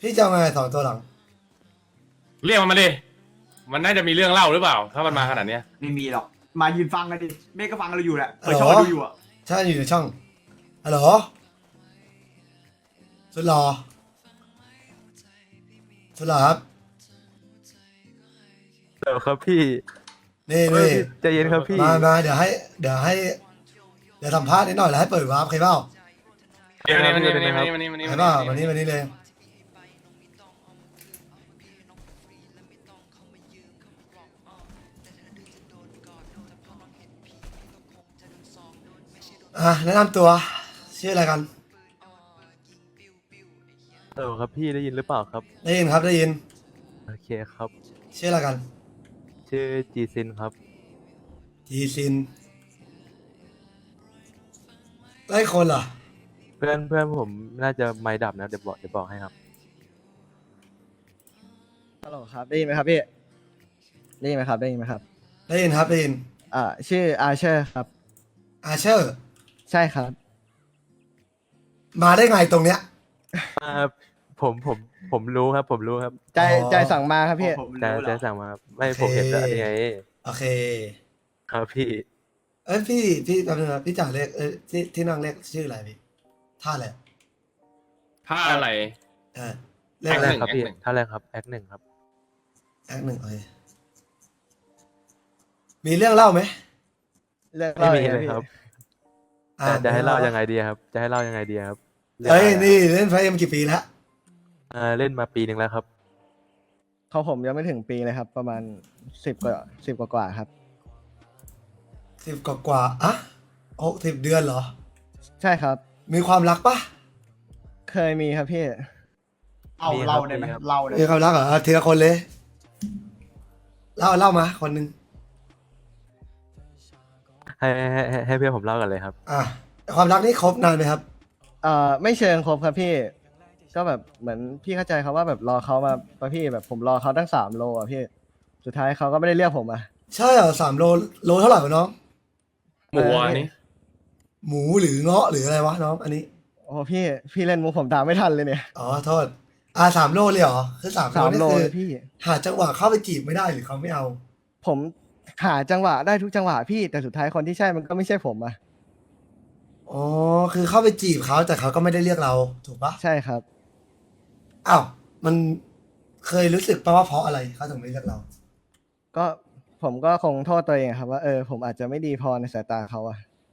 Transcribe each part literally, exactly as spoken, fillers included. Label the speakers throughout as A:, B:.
A: พี่จะเอาไงสองตัวหลัง
B: เรียกมันมาดิมันน่าจะมีเรื่องเล่าหรือเปล่า ถ้ามันมาขนาดเนี้ย
C: ไม่มีหรอกมายืนฟังกันดิเมฆก็ฟังเราอยู่แหละเปิดช่องดูอยู่อ่ะ
A: ใช่อยู่ในช่องฮัลโหลสุดหล่อสุดหล่อครับ
D: เดี๋ยวครับพี่
A: นี่นี่
D: ใจเย็นครับพี่
A: มามาเดี๋ยวให้เดี๋ยวให้เดี๋ยวสัมภาษณ์นิดหน่อยแล้วให้เปิดวาร์ปใครเปล่า
B: เดี๋ยวนี่นี่นี่นี่นี่นี่
A: ใครเปล่าวันนี้วันนี้เลยอ่ะแนะนำตัวชื่ออะไรกัน
D: เออครับพี่ได้ยินหรือเปล่าครับ
A: ได้ยินครับได้ยิน
D: โอเคครับ
A: ชื่ออะไรกัน
D: ชื่อจีซินครับ
A: จีซินไล่คนเหรอ
D: เพื่อนเพื่อนผมน่าจะไม่ดับนะเดี๋ยวบอกเดี๋ยวบอกให้ครับ
E: ฮัลโหลครับได้ยินไหมครับพี่ได้ยินไหมครับได้ยินไหมครับ
A: ได้ยินครับได้ยิน
E: อ่าชื่ออาเชอร์ครับ
A: อาเชอร์
E: ใช่ครับ
A: มาได้ไงตรงเนี้ย
D: อ่าผมผมผมรู้ครับ ผมรู้ครับ
E: ใจ
A: อ๋อ
E: ใจสั่งมาครับพี่
C: ผม
D: แต่
C: รู้
D: จะ
C: แล้ว
D: สั่งมาครับไม่ผมเห็นแล้วนี่ไง
A: โอเค
D: ครับพี่
A: เอ้ยพี่พี่แป๊บนึงนะพี่จ่าเรียกเอ้ยที่ที่นั่งเรียกชื่ออะไรพี่ท่าอะไร
B: ถ้าอะไร
A: เออเรีย
D: ท่าก
A: อะไร
D: แรกครับพี่
B: แอคหนึ่ง
D: ท่าแรกครับแอคหนึ่งครับ
A: แอคหนึ่งโอเคมีเรื่องเล่าไหม
E: เรื่อง
D: ไม่
E: เล่า
D: มี
E: อย่าง
D: เลย
E: เงี้ย
D: ครับ
A: อ่
D: แต่จะให้เล่ายังไงดีครับ จะให้เล่ายังไงดีครับ
A: เอ้ยนี่เล่นไฟเอ็มกี่ปีแล้ว
D: อ่าเล่นมาปีหนึ่งแล้วครับ
E: เขาผมยังไม่ถึงปีเลยครับ ประมาณสิบกว่าสิบกว่ากว่าครับ
A: สิบกว่ากว่าๆอะหกสิบเดือนเหรอ
E: ใช่ครับ
A: มีความรักปะ
E: เคยมีครับพี่
C: เอา
D: มีครับ
C: เราได้ไหม
D: มีครับ
C: เราได้
A: มีความรักเหรออ่ะทีละคนเลยเล่าเล่ามาคนหนึ่ง
D: ให้ให้ให้ให้เพื่อนผมเล่ากันเลยครับ
A: อ่ะความรักนี่คบนานไหมครับ
E: เอ่อไม่เชิงครบครับพี่ ก็แบบเหมือนพี่เข้าใจเขาว่าแบบรอเขามาปะพี่แบบผมรอเขาตั้งสามโลอ่ะพี่สุดท้ายเขาก็ไม่ได้เรียกผมอ่ะ
A: ใช่เหรอสามโลโลเท่าไหร่วะน้อง
B: หมูอันนี้
A: หมูหรือเงาะหรืออะไรวะน้องอันนี้
E: โอ้พี่พี่เล่นมุกผมตามไม่ทันเลยเนี่ย
A: อ๋อโทษอ่าสามโลเลยเหรอคือสามโล
E: สาม
A: นี่
E: โล
A: คือ
E: เลยพี่
A: หาจังหวะเข้าไปจีบไม่ได้หรือเขาไม่เอา
E: ผมหาจังหวะได้ทุกจังหวะพี่แต่สุดท้ายคนที่ใช่มันก็ไม่ใช่ผมอ่ะ
A: อ๋อคือเข้าไปจีบเขาแต่เขาก็ไม่ได้เรียกเราถูกปะ
E: ใช่ครับ
A: อ้าวมันเคยรู้สึกปะว่าเพราะอะไรเขาถึงไม่เรียกเรา
E: ก็ผมก็คงโทษตัวเองครับว่าเออผมอาจจะไม่ดีพอในสายตาเขาอะ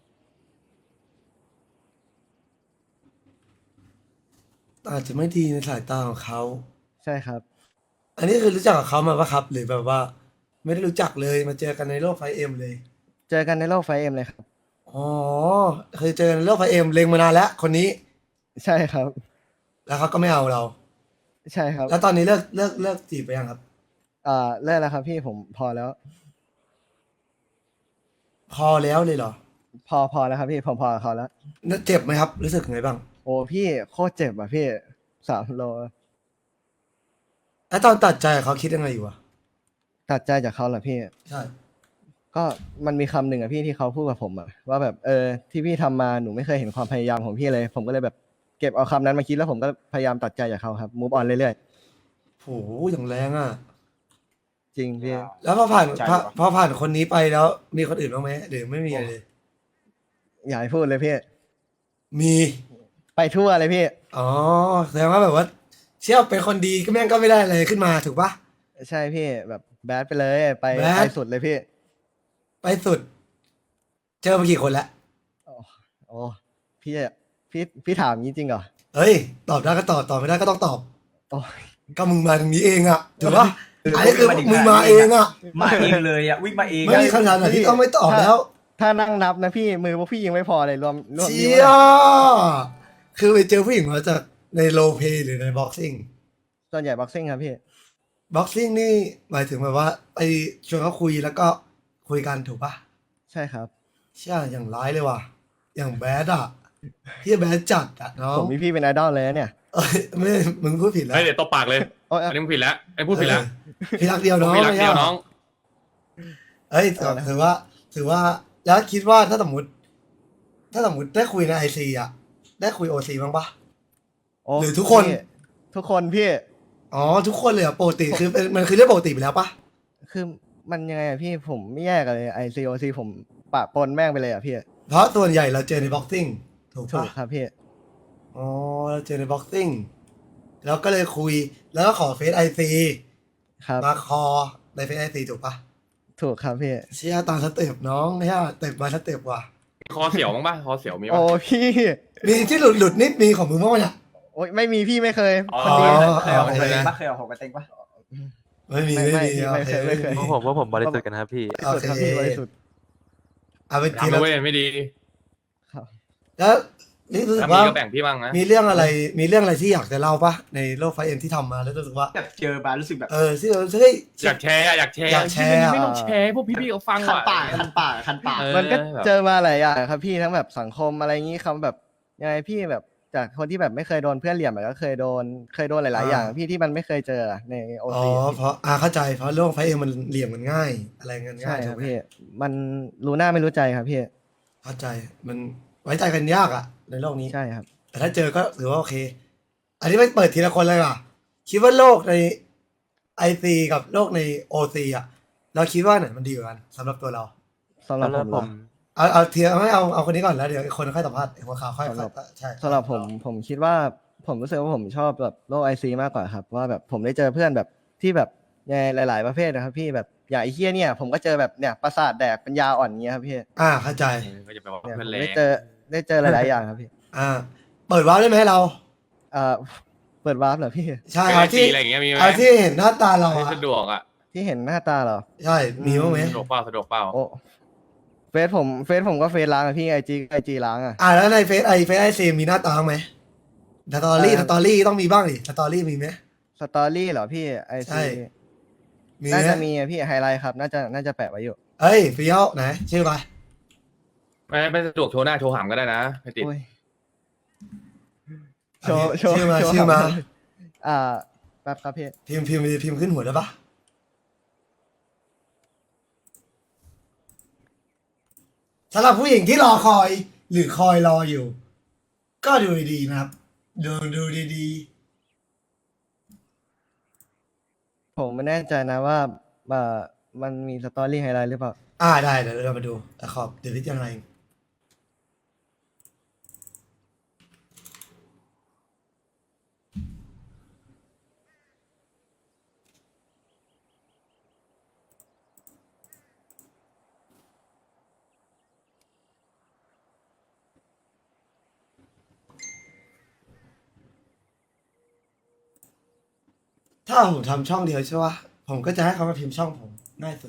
A: อาจจะไม่ดีในสายตาของเขา
E: ใช่ครับ
A: อันนี้คือรู้จักกับเขามาปะครับ หรือแบบว่า ไม่ได้รู้จักเลยมาเจอกันในโลกไฟเอ็มเลย
E: เจอกันในโลกไฟเอ็มเลยครับ
A: อ๋อเคยเจอในโลกไฟเอ็มเล็งมานานแล้วคนนี้
E: ใช่ครับ
A: แล้วเขาก็ไม่เอาเรา
E: ใช่ครับ
A: แล้วตอนนี้เลิกเลิกเลิกจีบไปยังครับ
E: อ่าเลิกแล้วครับพี่ผมพอแล้ว
A: พอแล้วเลยเหรอ
E: พอพอแล้วครับพี่ผมพอกับเขาแล้ว
A: เจ็บไหมครับ รู้สึกไงบ้าง
E: โอ้พี่โคตรเจ็บอ่ะพี่สามโล
A: แล้วตอนตัดใจเขาคิดยังไงอยู่วะ
E: ตัดใจจากเขาเหรอพี่
A: ใช่
E: ก็มันมีคำหนึ่งอะพี่ที่เขาพูดกับผมอะว่าแบบเออที่พี่ทำมาหนูไม่เคยเห็นความพยายามของพี่เลย ผมก็เลยแบบเก็บเอาคำนั้นมาคิดแล้วผมก็พยายามตัดใจจากเขาครับมูฟออนเรื่อย
A: โหอย่างแรงอ่ะ
E: ๆจริงพี่
A: แล้วพอผ่านพอพอผ่านคนนี้ไปแล้ว มีคนอื่นบ้างไหมหรือไม่มีอะไรเลย
E: อย่าให้พูดเลยพี่
A: มี
E: ไปทั่วเลยพี่
A: อ๋อแสดงว่าแบบว่า เชี่ยวเป็นคนดีก็แม่งก็ไม่ได้อะไรขึ้นมาถูกปะ
E: ใช่พี่แบบแบดไปเลยไป
A: แบด
E: ไปสุดเลยพี่
A: ไปสุด เจอมากี่คนแล้ว
E: โอ้โอ้พี่จะพี่พี่ถามงี้จริงเหรอ
A: เฮ้ย ตอบได้ก็ตอบตอบไม่ได้ก็ต้องตอบ
E: โอ้
A: ก็มึงมาตรงนี้เองอ่ะถูกปะอันนี้คือมึงมาเองอ่ะ
C: มาเองเลยอ่ะวิ่งมาเอง
A: ไม่มีคำถามไหนที่ต้องไม่ตอบแล้ว
E: ถ้านั่งนับนะพี่มือพวกพี่ยังไม่พอเลยรวมรวม
A: เชี่
E: นิ้วย นะ
A: คือไปเจอผู้หญิงมาจากในโลเพหรือในบ็อกซิ่ง
E: ส่วนใหญ่บ็อกซิ่งครับพี่
A: บ็อกซิ่งนี่หมายถึงแบบว่าไปชวนเขาคุยแล้วก็คุยกันถูกปะ
E: ใช่ครับ
A: เชี่ยอย่างร้ายเลยว่ะ อย่างแบดอ่ะพี่แบดจัดอ่ะน้อ
E: ผ
A: ง
E: มมีพี่เป็นไอดอลเลยนะเนี่ย
A: เอ้ยไม่มึงพูดผิดแล้ว
B: เฮ้ยเดี๋ยวตบปากเลย
E: โอ้ย
B: อันนี้มึงผิดแล้วไอ้พูดผิดแล้ว
A: เออพี่รักเดียวน้อง
B: พี่รักเดียว
A: ไม่ใช่หร
B: น้อง
A: เอ้ยแต่ถือว่า ถือว่าแล้วคิดว่าถ้าสมมติ ถ้าสมมติได้คุยในไอซีอ่ะ ได้คุยโอซีบ้างปะ
E: โอ้
A: หรือทุกคน
E: พี่ทุกคนพี่
A: อ๋อทุกคนเลยเหรอปกติคือเป็นมันคือเรื่องปกติไปแล้วปะ
E: คือมันยังไงอะพี่ผมไม่แยกกันเลยไอซีโอซีผมปะปนแม่งไปเลยอะพี่
A: เพราะส่วนใหญ่เราเจอในบ็อกซิ่งถูก
E: ถู
A: ปะ
E: กครับพี่
A: อ๋อเราเจอในบ็อกซิ่งแล้วก็เลยคุยแล้วก็ขอเฟซไอซี
E: ครับ
A: มาคอในเฟซไอซีถูกปะ
E: ถูกครับพี่
A: เชี่ยตามสเต็ปน้องเนี่ยสเต็ปมาสเต็ปว่ะ
B: คอเสียวมั้งป่ะคอเสียวมี
E: โอ้
B: ป่ะ
E: พี่
A: มีที่หลุดหลุดนิดมีของมึงบ้างไหมเนี่ย
E: โอ้ยไม่มีพี่ไม่เคย
B: อ๋อ
E: คนดี
C: เคยเอา
A: โอ
C: หก
A: เค
C: กระเต็งปะเคยเอาหกกระเต็งปะ
A: ไม่มี
E: ไม่
A: ไม่
E: ไม่
A: มี
E: ไม่เคยไม่เคย
A: โอ
D: เพราะผมว่าผมบริสุทธิ์กันนะครับพี่
A: โอ
E: สุด
A: เค
E: ครับพี่บริสุทธิ์
A: เอาเป็นที
B: ทำ
A: ละ
B: นะเว้ยไม่ดี
E: ครับ
A: แล้วนี่รู้สึ
B: ถ้าก มี
A: ว่า
B: ก็แบ่งพี่บ้างนะ
A: มีเรื่องอะไรมีเรื่องอะไรที่อยากจะเล่าปะในโลกไฟเอ็มที่ทำมาแล้วรู้สึกว่า
C: แบบเจอมารู้สึกแบบ
A: เออที่เราเฮ้ย
B: อยากแชร์อะอยากแชร์
A: อยากแชร์
B: ไม่ต้องแชร์พวกพี่ๆเขาฟัง
C: คัน
B: ว่ะ
C: ปากคันปากคันปาก
B: เออ
E: มันก็
B: แบบ
E: เจอมาหลายอย่างครับพี่ทั้งแบบสังคมอะไรอย่างงี้คำแบบยังไงพี่แบบจากคนที่แบบไม่เคยโดนเพื่อนเหลี่ยมอะก็เคยโดนเคยโดนหลาย ๆ อย่าง พี่ที่มันไม่เคยเจอในโอ
A: อ๋อ
E: ซี
A: เพราะอ่าเข้าใจเพราะโลกไฟเอ็มมันเหลี่ยมมันง่าย อะไรเงิน
E: ใช่
A: ง่าย
E: ค
A: ถู
E: รั
A: ก
E: บ
A: ไหม
E: พี่มันรู้หน้าไม่รู้ใจครับพี่
A: เข้าใจมันไว้ใจกันยากอะในโลกนี้
E: ใช่ครับ
A: แต่ถ้าเจอก็ถือว่าโอเค อันนี้ไม่เปิดทีละคนเลยอ่ะ คิดว่าโลกในไอซีกับโลกในโอซีอ่ะ เราคิดว่าไหนมันดีกว่ากันสำหรับตัวเรา
E: สำหรับผม
D: ผ
E: เหรอ
D: ม
A: เอาเอาเทียไม่เอาเอาคนนี้ก่อนแล้วเดี๋ยวอีกคนค่อยสัมภาษณ์อีกคนข่าวค่อย
E: สำหรับ
A: ค่อยใช่
E: สำหรับผมผมคิดว่าผมรู้สึกว่าผมชอบแบบโลกไอซีมากกว่าครับว่าแบบผมได้เจอเพื่อนแบบที่แบบในหลาย ๆ ประเภทนะครับพี่แบบอย่างไอ้เฮียเนี่ยผมก็เจอแบบเนี่ยประสาทแดกปัญญาอ่อนเงี้ยครับพี่
A: อ่าเข้าใจ
B: ก็จะไปบอก
E: เนี่ยผ
B: เพื่อน
E: ม
B: แรง
E: ได้เจอได้เจอหลาย ๆ อย่างครับพี่
A: อ่า เปิดวาร์ปได้ไหมเรา
E: เอ่อเปิดวาร์ปเหรอพี่
A: ใช่
B: ไอ
A: เอา
B: ซี
A: ที่
B: อะไรอย่างเงี้ยมีไหม
A: เอาที่เห็นหน้าตาเรา
B: ให้
A: อะ
B: สะดวกอ่ะ
E: ที่เห็นหน้าตาเหรอ
A: ใช่มีบ้างไหม
B: สะดวกเปล่าสะดวกเปล่า
E: โอ้เฟซผมเฟซผมก็เฟซล้างอะพี่ไอจีไอจีล้างอะ
A: อ่าแล้วในเฟซไอเฟซไอซีมีหน้าตาบ้างไหมสตอรี่
E: เอ่อ
A: สตอรี่ต้องมีบ้างดิสตอรี่มีไหม
E: สตอรี่เหรอพี่ไอ
A: ใช่
E: ซี
A: มี
E: น่า
A: ไหม
E: จะมีอะพี่ไฮไลท์ครับ น่าจะน่าจะแปะไว้อยู่
A: เอ้ยเฟี้ยวไหนชื่ออะไร
B: ไม่ไม่สะดวกโชว์หน้าโชว์หามก็ได้นะไม่ติด
E: โอ้ยโชว์โชว์
A: ชื่อมา
E: โชว์
A: ชื่อมา
E: อ่าแป๊บครับพี่
A: พิมพ์พิมพ์พิมพ์ขึ้นหัวได้ปะสำหรับผู้หญิงที่รอคอย หรือคอยรออยู่ ก็ดูดีๆนะครับ ดูดูดี
E: ผมไม่แน่ใจนะว่าอ่ามันมีสตอรี่ไฮไลท์หรือเปล่า
A: ๆอ่าได้เดี๋ยวเรามาดูแต่ขอบเดี๋ยวพิจารณาเองถ้าผมทำช่องเดียวใช่ปะผมก็จะให้เขามาพิมพ์ช่องผมง่ายสุด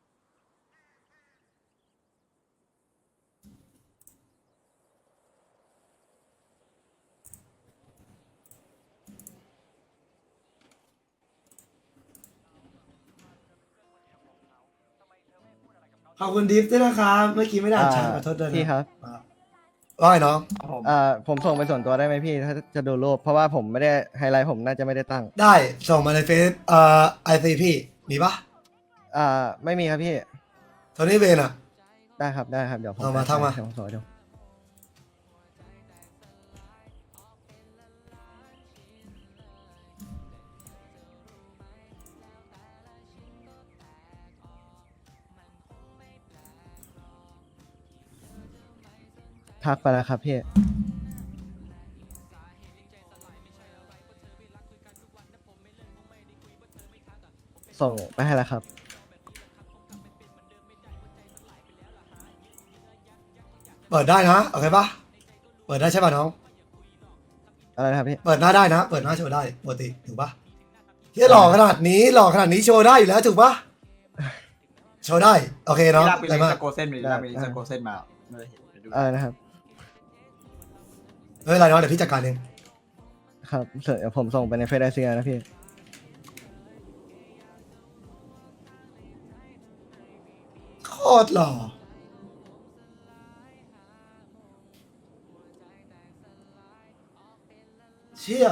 A: ขอบคุณดิฟด้วยนะครับเมื่อกี้ไม่ได้อ่านแชทขอโทษด้วยนะ
E: พี่ครับ
A: อ่าว่าไงน้อง
C: ครับผม
E: อ่าผมส่งไปส่วนตัวได้ไหมพี่ ถ้าจะดูรูปเพราะว่าผมไม่ได้ไฮไลท์ผมน่าจะไม่ได้ตั้ง
A: ได้ส่งมาในเฟซเอ่อไอซีพี่มีปะ
E: อ่าไม่มีครับพี่
A: โทนี่เวนอ่ะ
E: ได้ครับได้ครับเดี๋ยวผม
A: เอามาทักมา
E: เดี๋ยวผมส่งให้ดู ทักไปแล้วครับพี่ ส่งไปให้แล้วครับ
A: เปิดได้นะโอเคปะเปิดได้ใช่ป่ะน้อง
E: อะไรนะครับพี่
A: เปิดหน้าได้นะ เปิดหน้าโชว์ได้ปกติถูกปะที่หล่อขนาดนี้หล่อขนาดนี้โชว์ได้อยู่แล้วถูกปะโชว์ได้โอเคเนาะ
C: ลากไป
A: ได้
C: ลิง
A: มาก
C: สโกเส้นไปดิลากไปลิงสโกเส้นมาไม่ได้เห็นเดี๋ยวดู
E: อะไรนะครับ
A: ไม่เป็นไรเนาะเดี๋ยวพี่จัดการเอง
E: ครับเดี๋ยวผมส่งไปในเฟซไอซีนะพี่
A: โคตรหล่อเชี่ย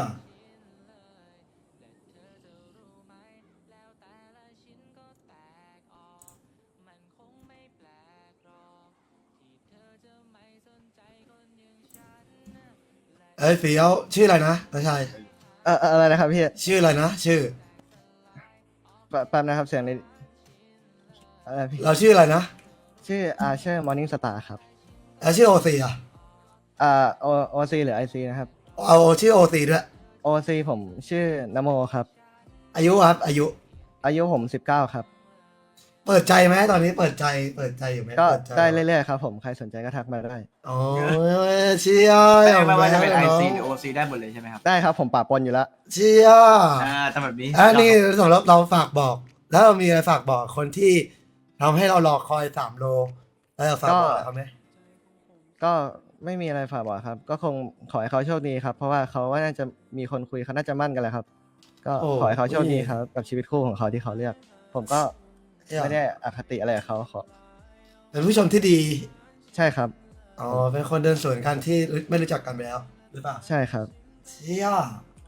A: เอ้ยเฟี้ยวชื่ออะไรนะน้าชาย
E: อเอ่ออะไรนะครับพี่
A: ชื่ออะไรนะชื่อ
E: แป๊บแป๊บนะครับเสียงในอะไรพี่
A: เราชื่ออะไรนะ
E: ชื่ออาเชอร์มอร์นิ่งสตาร์ครับ
A: แล้วชื่อโอซีอ่ะ
E: อ่าโอโอซีหรือไอซีนะครับ
A: เอาชื่อโอซีด้วย
E: โอซีผมชื่อนโมครับ
A: อายุครับ อายุ
E: อายุผมสิบเก้าครับ
A: เปิดใจไหมตอนนี้เปิดใจเปิดใจอยู่ไหม
E: ก็
A: เปิใจ
E: ได้เรื่อยๆครับผมใครสนใจก็ทักมาได้
A: อ๋อเชียร์
C: ไม่
A: อย่าง
C: ไม่ว่าจะเป็น
A: แบ
C: ไอบ
A: ล
C: ซี
A: ย
C: หรือโอซีได้หมดเลยใช่ไหมครับ
E: ได้ครับผมปะปนอยู่แล้ว
A: เชียร์
C: อ่าแต่แบบนี้
A: อันนี้สำหรับเราฝากบอก แล้วเรามีอะไรฝากบอกคนที่ทำให้เรารอคอยสามโลแล้วเราฝากบอกอะไรเขาไหม
E: ก็ไม่มีอะไรฝากบอกครับ ก็คงขอให้เขาโชคดีครับ เพราะว่าเขาว่าน่าจะมีคนคุยเขาน่าจะมั่นกันแหละครับ ก็
A: โอ้
E: ขอให้เขาโชคดีครับกับชีวิตคู่ของเขาที่เขาเลือก ผมก็
A: เชี่ย
E: ไม่ได้อคติอะไรกับเขาขอ
A: เป็นผู้ชมที่ดี
E: ใช่ครับ
A: อ๋อเป็นคนเดินสวนกันที่ไม่รู้จักกันไปแล้วหรือเปล่า
E: ใช่ครับ
A: เชี่ย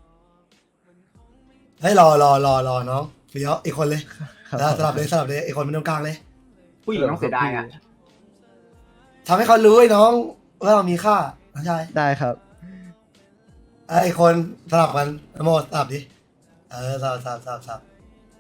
A: ให้ยรอรอรอรอน้องเฟี้ยวอีกคนเลย
E: ครับ
A: แล้วสลับเลยสลับเลยอีกคนเป็นตรงกลางเลย
C: ผู้หญิงต้องเสียดายอ่ะ
A: ทำให้เขารู้ไอ้น้องว่าเรามีค่าน้องชาย
E: ได้ครับ
A: ไอ้คนสลับกันนโมสลับดิเออสลับสลับสลับสลับ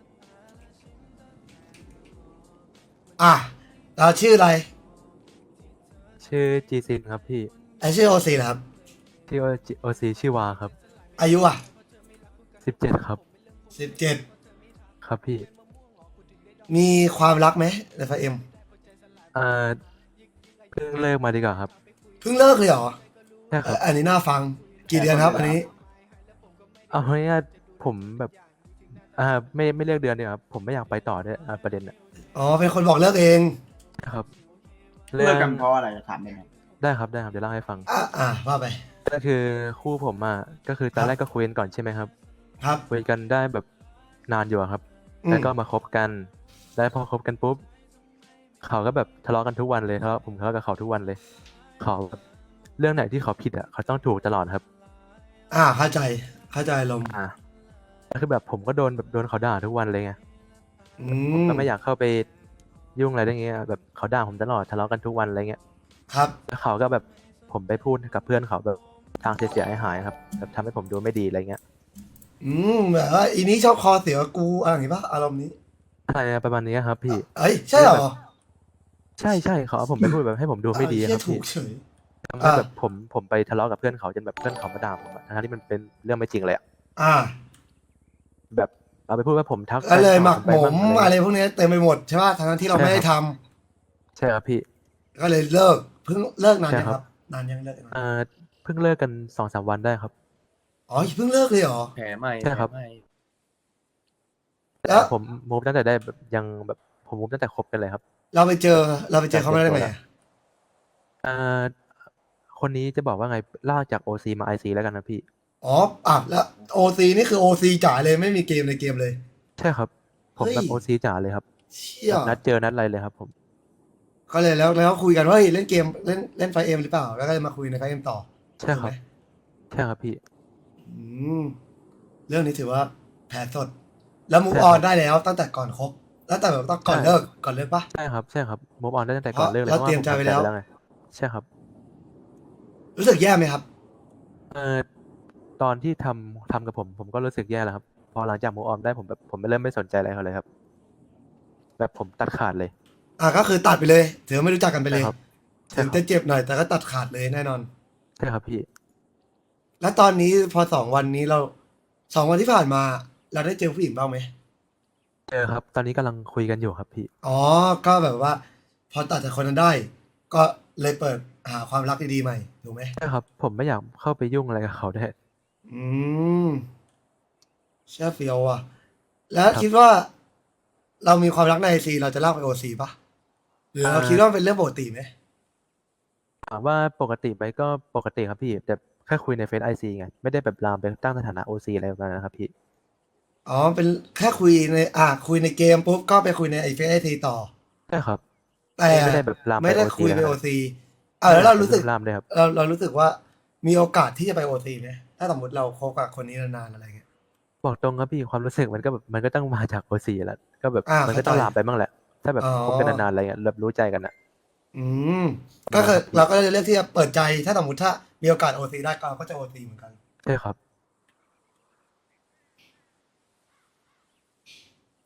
A: อ่ะเราชื่ออะไร
D: ชื่อจีซินครับพี่
A: ไอชื่อโอซีนะครับ
D: ที่โอซีชื่อวาครับ
A: อายุอ่ะ
D: สิบเจ็ดครับ
A: สิบเจ็ด
D: ครับพี่
A: มีความรักไหมในไฟเอ็ม
D: อ่าเพิ่งเลิกมาดีกว่าครับ
A: เพิ่งเลิกเลยเหรอ
D: ใช่ครับ
A: อันนี้น่าฟังกี่เดือนครับ อันนี้
D: เอาง่ายๆผมแบบอ่าไม่ไม่เลือกเดือนเดียวครับผมไม่อยากไปต่อด้วยอ่าประเด็นอ่ะ
A: อ๋อเป็นคนบอกเลิกเอง
D: ครับ
C: เลิกกันเพราะอะไรถามได้ไหม
D: ได้ครับได้ครับเดี๋ยวเล่าให้ฟัง
A: อ่ะอ่ะว่าไป
D: ก็คือคู่ผมอ่ะก็คือตอ
A: ครั
D: น
A: บ
D: แรกก็คุยกันก่อนใช่ไหมครับ
A: ครับ
D: คุยกันได้แบบนานอยู่อะครับ
A: อืม
D: แล้วก็มาคบกัน แล้วพอคบกันปุ๊บเขาก็แบบทะเลาะกันทุกวันเลยทะเลาะผมทะเลาะกับเขาทุกวันเลยเขาแบบเรื่องไหนที่เขาผิดอ่ะเขาต้องถูกตลอดครับ
A: อ่าเข้าใจเข้าใจลมณ์
D: อ่าแล้วคือแบบผมก็โดนแบบโดนเขาด่าทุกวันเลยไง
A: อื
D: ผม
A: ม
D: ก็ไม่อยากเข้าไปยุ่งอะไรอย่างเงี้ยแบบเขาด่าผมตลอดทะเลาะกันทุกวันอะไรเงี้ย
A: ครับ
D: แล้วเขาก็แบบผมไปพูดกับเพื่อนเขาแบบทางเสียหายๆครับแบบทำให้ผมดูไม่ดีอะไรเงี้ย
A: อืมแบบว่าอีนี้ชอบคอเสียกูอะไรอย่างงี้ปะอารมณ์นี้
D: อะไรประมาณนี้ครับพี่
A: เอ้ยใช่เหรอ
D: ใช่ใช่เขาเอาผมไปพูดแบบให้ผมดูไม่ดี
A: อ่า
D: ครับ
A: เหี้ยถู
D: พี่
A: กเฉย
D: ทำให้แบบผมผมไปทะเลาะกับเพื่อนเขาจนแบบเพื่อนเขามาด่าผมอะทั้งที่มันเป็นเรื่องไม่จริงเลยอะ
A: อ่า
D: แบบเอาไปพูดว่าผมทัก
A: ก็เลยหมัก
D: แฟน
A: หม
D: เก่าม ผมไป
A: อะ
D: มั่ง
A: ไรพวกนี้เต็มไปหมดใช่ป่ะทั้งที่เราไม่ได้ทำ
D: ใช่ครับพี่
A: ก็เลยเลิกเพิ่งเลิกนาน
D: ใช่
A: ยัง
D: ค
A: ค
D: รั
A: รับ บนานยังเลิกนาน
D: อ่าเพิ่งเลิกกันสองสามวันได้ครับ
A: อ๋อเพิ่งเลิกเลยเหรอ
B: แผลใหม่
D: ใช่ครับ
B: แผลใหม่
A: แล้ว
D: ผมมูฟตั้งแต่ได้แบบยังแบบผมมูฟตั้งแต่คบกันเลยครับ
A: เราไปเจอเราไปเจอเขาไม่ได้ไงอะ
D: อ่าคนนี้จะบอกว่าไงลากจากโอซีมาไอซีแล้วกันนะพี่
A: อ๋ออ่ะแล้วโอซีนี่คือโอซีจ่ายเลยไม่มีเกมในเกมเลย
D: ใช่ครับ ผมแบบ
A: เฮ้
D: โอย ซีจ๋าเลยครับ
A: เชี่ย
D: แบบนัดเจอนัดอะไรเลยครับผม
A: ก็เลยแล้วแล้วคุยกันว่าเฮ้ยเล่นเกมเล่นเล่นไฟเอ็มหรือเปล่า แล้วก็เลยมาคุยในไฟเอ็มต่อ
D: ใช่ครับ
A: ถูกไหม
D: ใช่ครับพี่
A: อืมเรื่องนี้ถือว่าแผลสด แล้วมูฟ
D: ใช่
A: อ
D: ค
A: อ
D: รั
A: น
D: บ
A: ได้แล้วตั้งแต่ก่อนคบแล้วแต่แบบต้องก่อน
D: ใช่
A: เลิกก่อนเลิกปะ
D: ใช่ครับใช่ครับมูฟออนได้ตั้งแต่ก่อนเลิกเลย
A: เรา
D: เพราะ
A: เตรี
D: ว่าย
A: ม
D: ผม
A: ใจไว้
D: ทำใจ
A: แล้ว
D: ไว้แล้วไงใช่ครับ
A: รู้สึกแย่ไหมครับ
D: เอ่อตอนที่ทำทำกับผมผมก็รู้สึกแย่แล้วครับ พอหลังจากมูฟออนได้ผมแบบผมไม่เริ่มไม่สนใจอะไรเขาเลยครับ แบบผมตัดขาดเลย
A: อ่ะก็คือตัดไปเลย ถือว่าไม่รู้จักกันไปเลย
D: ใช่ครับใช่
A: ถึง
D: ครับ
A: จะเจ็บหน่อยแต่ก็ตัดขาดเลยแน่นอน
D: ใช่ครับพี่
A: แล้วตอนนี้พอสองวันนี้เราสองวันที่ผ่านมา เราได้เจอผู้หญิงบ้างไหม
D: เจอครับ ตอนนี้กำลังคุยกันอยู่ครับพี่
A: อ๋อ ก็แบบว่า พอตัดจากคนนั้นได้ ก็เลยเปิดหาความรักดีๆใหม่ถูกไหม
D: ใช่ครับ ผมไม่อยากเข้าไปยุ่งอะไรกับเขาได้วย
A: อืมเชื่อเฟียวอ่ะ แล้ว
D: ครับ
A: คิดว่า เรามีความรักในไอซีเราจะเล่าไปโอซีปะหรือเรา
D: อ่า
A: คิดว่าเป็นเรื่องปกติไหม
D: ถามว่าปกติไหมก็ปกติครับพี่ แต่แค่คุยในเฟซไอซีไงไม่ได้แบบลามไปตั้งสถานะโอซีอะไรแบบนั้นนะครับพี่
A: อ๋อ เป็นแค่คุยใน อ่ะคุยในเกมปุ๊บก็ไปคุยในไอเฟซไอซีต่อ
D: ใช่ครับ
A: แต่
D: ไม่ได้แบบลามไป
A: ไม่ได้
D: โอซี
A: คุยไป
D: นะค
A: โอ
D: รับ
A: ซีอ่าแล้วเรารู้สึก
D: ลามเลยครับ
A: เราเรารู้สึกว่ามีโอกาสที่จะไปโอซีไหมถ้าสมมติเราคบกับคนนี้นานๆอะไรเงี้ย
D: บอกตรงครับพี่ความรู้สึกมันก็แบบมันก็ต้องมาจากโอซีแหล้วก็แบบ
A: อ่า
D: มันก็ต้อง
A: เข้าใจ
D: ลามไปบ้างแหละ ถ้าแบบ
A: อ๋อ
D: คบกันนานๆอะไรเงี้ยแบบรู้ใจกันอ่ะ
A: อืมก็คือเราก็เลยเลือกที่จะเปิดใจ ถ้าสมมติถ้ามีโอกาสโอซีได้ก็เราก็จะโอซีเหมือนกัน
D: ใช่ครับ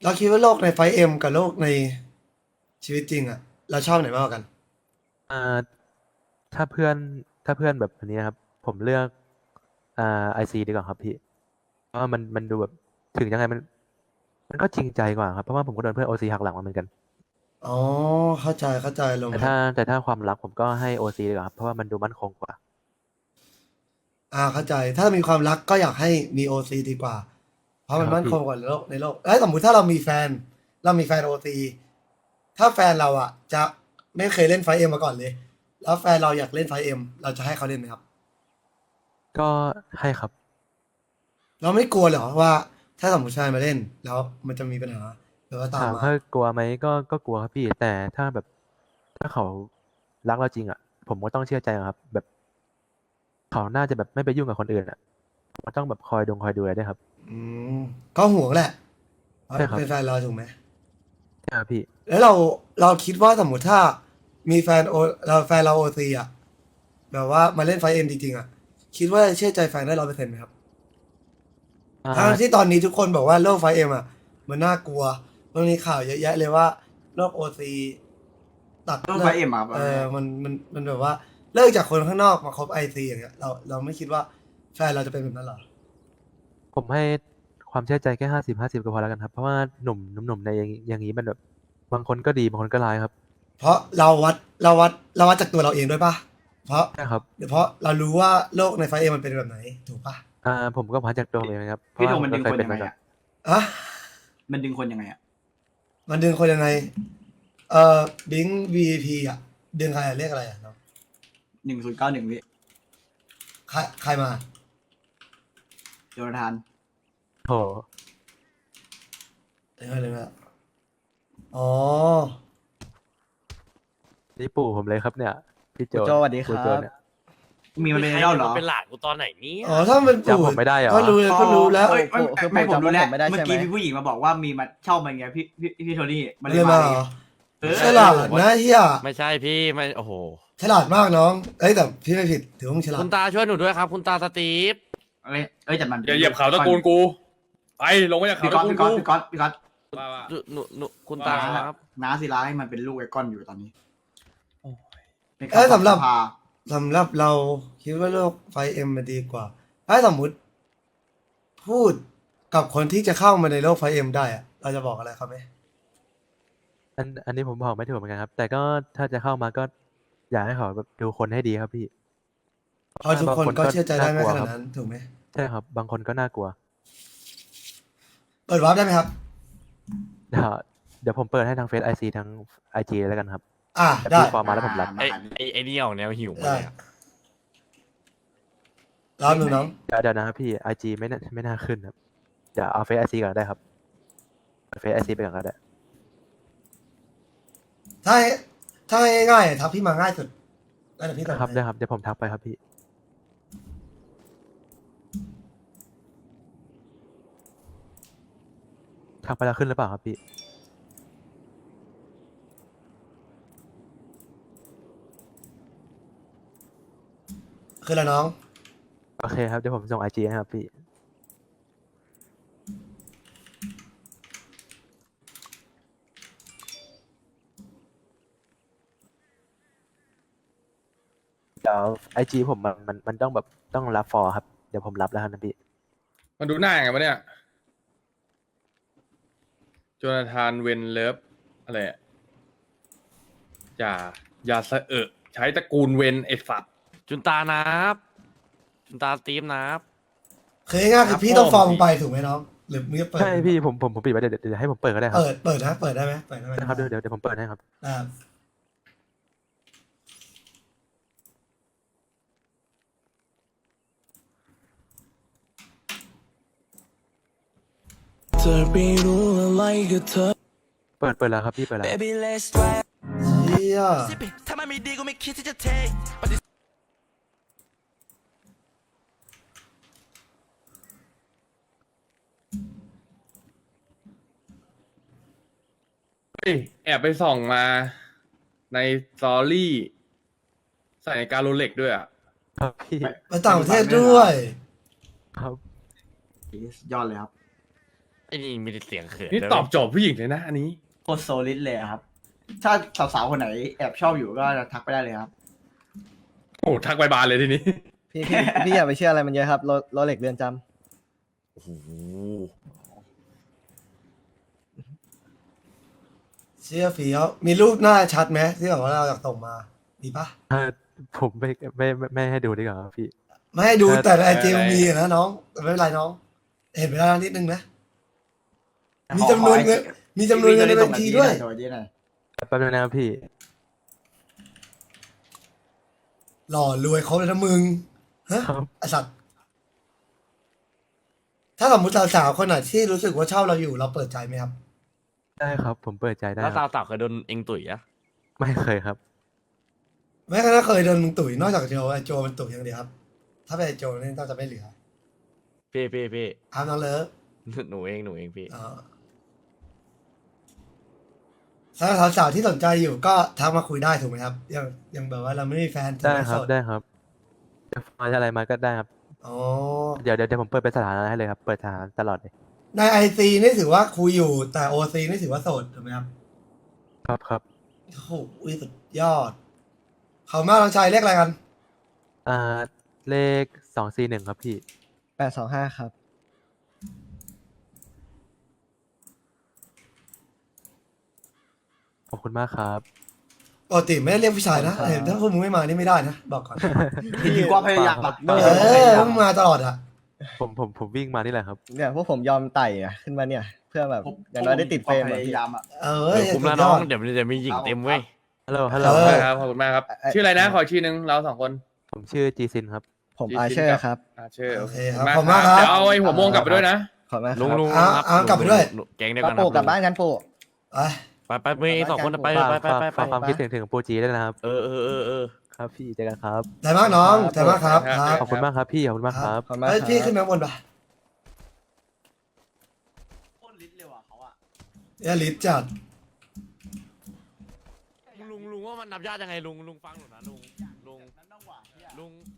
A: เราคิดว่าโลกในไฟเอ็มกับโลกในชีวิตจริงอะเราชอบไหนมากกว่ากัน
D: อ่าถ้าเพื่อนถ้าเพื่อนแบบอันนี้นะครับ ผมเลือกอ่าไอซีดีกว่าครับพี่เพราะว่ามันมันดูแบบถึงยังไงมัน มันก็จริงใจกว่าครับเพราะว่าผมก็โดนเพื่อนโอซีหักหลังมาเหมือนกัน
A: อ๋อเข้าใจเข้าใจลง
D: แต่
A: ครั
D: ถ้า
A: บ
D: แต่ถ้าความรักผมก็ให้โอซีดีกว่าครับเพราะว่ามันดูมั่นคงกว่า
A: อ่าเข้าใจ ถ้ามีความรักก็อยากให้มีโอซีดีกว่า เพราะมัน
D: ครับ
A: มั่น
D: พี่
A: คงกว่าในโลกในโลกแล้วสมมติถ้าเรามีแฟน เรามีแฟนโอซีถ้าแฟนเราอ่ะ จะไม่เคยเล่นไฟเอ็มมาก่อนเลย แล้วแฟนเราอยากเล่นไฟเอ็มเราจะให้เขาเล่นไหมครับ
D: ก็ให้ครับ
A: เราไม่กลัวเหรอว่า ถ้าสมมติชายมาเล่น แล้วมันจะมีปัญหาหรือว่าตาม
D: ถาม
A: มา
D: ว่ากลัวไหมก็ก็กลัวครับพี่ แต่ถ้าแบบถ้าเขารักเราจริงอ่ะ ผมก็ต้องเชื่อใจครับ แบบเขาน่าจะแบบไม่ไปยุ่งกับคนอื่นอ่ะมันต้องแบบคอยดงคอยดูแลด้วยครับ
A: อืมก็ห่วงแหละเพราะ
D: ใช่ครับ
A: เป็นแฟนเราถูกไหม
D: ใช่ครับพี่
A: แล้วเราเราคิดว่าสมมติถ้ามีแฟนโอเราแฟนเราโอซีอ่ะแบบว่ามาเล่นไฟเอ็มจริงๆอ่ะ คิดว่าเชื่อใจแฟนได้ร้อยเปอร์เซ็นต์ไหมครับ
D: อ่า
A: ทั้งที่ตอนนี้ทุกคนบอกว่าโลกไฟเอ็มอ่ะ มันน่ากลัวมันมีข่าวเยอะแยะเลยว่าโลกโอซีตัด
C: โลก Five อะครับ
A: เออมันมันมันแบบว่าเลิกจากคนข้างนอกมาคบไอซีอย่างเงี้ยเราเราไม่คิดว่าแฟนเราจะเป็นแบบนั้นหรอ
D: ผมให้ความเชื่อใจแค่ห้าสิบห้าสิบก็พอแล้วกันครับ เพราะว่าหนุ่มหนุ่มหนุ่มในอย่างอย่างนี้มันแบบบางคนก็ดีบางคนก็ร้ายครับ
A: เพราะเราวัดเราวัดเราวัดจากตัวเราเองด้วยปะเพราะ
D: ใช่ครับ
A: เพราะเรารู้ว่าโลกในไฟเอ็มมันเป็นแบบไหนถูกปะ
D: อ่าผมก็มาจากตัวผมเองนะครับเพราะ
C: พี่โด
D: ว่าม
C: มัน
D: ผ
C: ดึ
D: ก็
C: ง
D: เคย
C: คน
D: เป็น
C: ยังไง
D: มาก่อน
C: อะ
A: อะ
C: มันดึงคนยังไงอะ
A: มันดึงคนยังไง เอ่อบิง วี พี อ่ะ ดึงใครอะเรียกอะไรอ่ะน้อง
C: หนึ่งศูนย์เก้าหนึ่งพี่
A: ใครใครมา
C: โจนาธาน
D: โห
A: เดี๋ยวเลยนะอ๋อ
D: นี่ปู่ผมเลยครับเนี่ยพี่โจ
E: โจสวัสดีค
D: ปู่
E: รั
D: โจ
E: บ
D: เนี่ย
C: มีมันเป็นไอดอลเหรอ
F: เป็นหลานกูตอนไหนเนี่ย
A: อ๋อ ถ้ามัน
D: จำผมไม่ได้เหรอ
A: ก็รู้ก็รู้แล้ว
C: เอ้ยไม่
E: คือ
C: ไม่
E: ผม
C: ผมรู้แล้ว
E: จำไม่ได้
C: เมื่อ
E: ใช่ไหม
C: กี้มีผู้หญิงมาบอกว่ามีมาเช่ามันไงพี่พี่พี่โทนี่มันเล
A: เรีย
C: ย
A: น
C: มา
A: มาเหรอ
C: เออ
A: ฉลาดนะเฮีย
F: ไม่ใช่พี่ไม่โอ้โห
A: ฉลาดมากน้อง เอ้ยแต่พี่ไม่ผิด ถือว่ามึงฉลาด
F: คุณตาช่วยหนูด้วยครับ คุณตาสตีฟ
C: เอ้ยเอ้ยแต่มัน
B: อย่าเหยียบเขาตระกูลกู ไปลงมาจากเขา
C: พี่
B: ต
C: ก๊อ
B: ระ
C: ต
B: กูล
C: พี่ก๊อต
B: กู
C: พี่ก๊อตพี่ก๊อต
B: ว่าว่า
F: หนูหนูหนูคุณตา
B: ว่า
F: ครับ
C: น้าศิลาให้มันเป็นลูกไอ้ก้อนอยู่ตอนนี้
A: เอ้ยสำหรับ
C: พา
A: สำหรับเราคิดว่าโลกไฟเอ็มมันดีกว่า ถ้าสมมุติ พูดกับคนที่จะเข้ามาในโลกไฟเอ็มได้อะเราจะบอกอะไรเขาไหม
D: อันอันนี้ผมบอกไม่ถูกเหมือนกันครับ แต่ก็ถ้าจะเข้ามาก็อยากให้เขาแบบดูคนให้ดีครับพี่
A: เพราะทุกคนก็เชื่อใจได้ไม่
D: บาง
A: ข
D: คนก็
A: นาดนั้นถูกไหม
D: ใช่ครับ บางคนก็น่ากลัว
A: เปิดวาร์ปได้ไหมครับ
D: เดี๋ยวเดี๋ยวผมเปิดให้ทางเฟซไอซีทั้งไอจีแล้วกันครับ
A: อ่า
D: แต่
A: ได้
D: พี่ฟอร์มมาแล้วผมรับ
F: ไอไอไอนี่ออกแนวหิวมา
A: ได้
F: เลยอะ
A: รอบหนึ่งน้อง
D: เดี๋ยวเดี๋ยวนะครับพี่ไอจีไม่น่าไม่น่าขึ้นครับเดี๋ยวเอาเฟซไอซีก่อนก็ได้ครับเฟซไอซีไปก่อนก็ได้
A: ถ้าให้ถ้าให้ง่ายๆทักพี่มาง่ายสุดแล้วเดี๋ยวพี่ตอบ
D: ครับ
A: ให้
D: ได้ครับเดี๋ยวผมทักไปครับพี่ทักไปแล้วขึ้นหรือเปล่าครับพี่
A: คืออะไรน้อง
D: โอเคครับเดี๋ยวผมส่งไอจีให้ครับพี่เดี๋ยวไอจีผมมันมันมันต้องแบบต้องรับฟอร์ครับเดี๋ยวผมรับแล้วครับนะพี่
B: มันดูหน้าไงวะเนี่ยโจนาธานเวนเลิฟอะไรอะอย่าอย่าสะเอะใช้ตระกูลเวนไอ้สัตว์
F: จุนตานับจุนตาสตีฟนับ
A: คือง่ายๆคือพี่ต้องฟอร์มไปถูกไหมน้อง หรือมึงจะเปิด
D: ใช่พี่ผมผมผมปิดไว้เดี๋ยวเดี๋ยวให้ผมเปิดก็ได้ครับ
A: เปิดเปิดนะ เปิดได้ไหมเปิดได้ไหม
D: นะครับเดี๋ยวเดี๋ยวเดี๋ยวผมเปิดให้ครับ
A: อ่า
G: เธอไม่รู้อะไรกับเธอ
D: เปิดเปิดแล้วครับพี่เปิดแล้ว
G: Baby let's try
A: เฮีย
G: ถ้ามันไม่ดีก็ไม่คิดที่จะเทปฏิ
B: เฮ้ยแอบไปส่องมาในสตอรี่ ใส่ในการโรเล็กด้วยอ่ะ
D: ครับพี่
A: ไปต่างประเทศด้วย
D: ครับ
C: ยอดเลยครับ
F: ไอ้นี่มีแต่เสียงเขิน
B: นี่
F: ด้วย
B: ตอบโจทย์ผู้หญิงเลยนะ อันนี้
C: โคตรโซลิดเลยอะครับ ถ้าสาวๆคนไหนแอบชอบอยู่ก็ทักไปได้เลยครับ
B: โอ้ทักไปบานเลยทีนี้
E: พี่พี่พี่อย่าไปเชื่ออะไรมันเยอะครับโรโรเล็กเรือนจำ
F: โอ้โห
A: เชื่อฟีเขามีรูปหน้าชัดไหมที่แบบว่าเราอยากส่งมา มีปะ
D: เออผมไม่ไม่ไม่ไม่ให้ดูดีกว่าครับพี่
A: ไม่ให้ดู
D: เออ
A: แต่ในไอจี
B: เออ
A: มีอะนะน้องแต่ไม่เป็นไรน้อง เห็นไปแล้วนิดนึงนะ มีจำนวนเงินมีจำนวนเงินในบัญชีด้วย
C: โดยที่ไหน
D: แป๊บนึงนะครับพี่
A: หล่อรวยเขาเลยนะมึง ฮะ
D: ครับ
A: ไอสัตว์ ถ้าสมมติสาวๆคนไหนที่รู้สึกว่าชอบเราอยู่เราเปิดใจไหมครับ
D: ได้ครับ ผมเปิดใจได้
F: แล้ว
D: ค
F: สา
D: รั
F: ว
D: บ
F: สาวๆเคยโดนเองตุ๋ยอะ
D: ไม่เคยครับ
A: แม้กระทั่งเคยโดนมึงตุ๋ยนอกจากโจไอโจมันตุ๋ยอย่างเดียวครับ ถ้าเป็นไอโจนี่น่าจะไม่เหลือ
F: พี่พี่พี่
A: อ้าวน้องเลิฟ
F: หนูเองหนูเองพี่
A: อ๋อสำหรับสาวๆที่สนใจอยู่ก็ทักมาคุยได้ถูกไหมครับ ยังยังแบบว่าเราไม่มีแฟนถูก
D: ได้
A: ไหม
D: ครับ
A: โสด
D: ได้ครับจะฟังอะไรมาก็ได้ครับ
A: อ๋อ
D: เดี๋ยวเดี๋ยวเดี๋ยวผมเปิดเป็นสถานะให้เลยครับ เปิดสถานะตลอดเลย
A: ในไอซีนี่ถือว่าคุยอยู่แต่โอซีนี่ถือว่าโสดถูกไหมครับ
D: ครับครับ
A: โอ้โหสุดยอดเขามากน้องชายเรียกอะไรกัน
D: อ่าเลขสองสี่หนึ่งครับพี่
E: แปดสองห้าครับ
D: ขอบคุณมากครับ
A: ปกติไม่ได้เรียกผู้ชายนะเห็นถ้าพวกมึงไม่มานี่ไม่ได้นะบอกก่อน
C: จริงๆก็พยายามอะ
A: เออพวกมึงมาตลอดอ่ะ
D: ผมผมผมวิ่งมานี่แหละครับ
E: เนี่ยพวกผมยอมไต่อะขึ้นมาเนี่ย เพื่อแบบอย่างน้อยได้ติดเฟรม
C: พ
E: อะ
C: ยา
E: พี่
C: ยามอะ
A: เออ
F: เออคุ้มแล้วน้องเดี๋ยวมันจะมีหญิงเต็มเว้ย
D: ฮัลโหล ฮัลโหล
A: เออ
B: ครับขอบคุณมากครับ
E: เอ่อ
B: ชื่ออะไรนะ ขออีกชื่อหนึงเราสองคน
D: ผมชื่อจีซินครับ
E: ผม
B: จริงๆ
E: อาเชอร์ครับ
B: อ่าชื่อ
A: โอ
B: โอ
A: เค
B: เค
A: ครับขอบคุณมากครับ
B: เดี๋ยวเอาไอ้หัวโมงกลับไปด้วยนะ
E: ขอบคุณมากค
F: ลุง
E: รับ
F: ลุง
A: อ่ะ
F: ครับ
A: อ่ะกลับไปด้วย
F: ลุงแก๊งเดียว
E: ป้า
F: กันค
E: ปู่
F: รับ
E: กลับบ้านกันปู่
A: ไป
F: ไปไปไปเองสองคนไปไป
D: ฝาก
F: ไปไป
D: ฝาก
F: ไป
D: ฝากความคิดถึงถึงปูจีด้วยนะครับ
F: เออเออเออเออ
D: ครับพี่เจอกันครับ
A: แต่มากน้องแต่มากครับครับ
D: ขอบคุณมากครับพี่ ขอบคุณมากครับ
E: ขอบคุณมาก
A: เฮ้ย
E: ครับ
A: พี่ขึ้นมาข้างบนปะ
C: โคตรลิดเลยว่ะเขาอะ
A: เอลิสจัด
F: ลุงลุงว่ามันนับญาติยังไงลุงลุงฟังหนูนะลุงลุง
C: นั่นต้องหวานเนี่ย
F: ลุง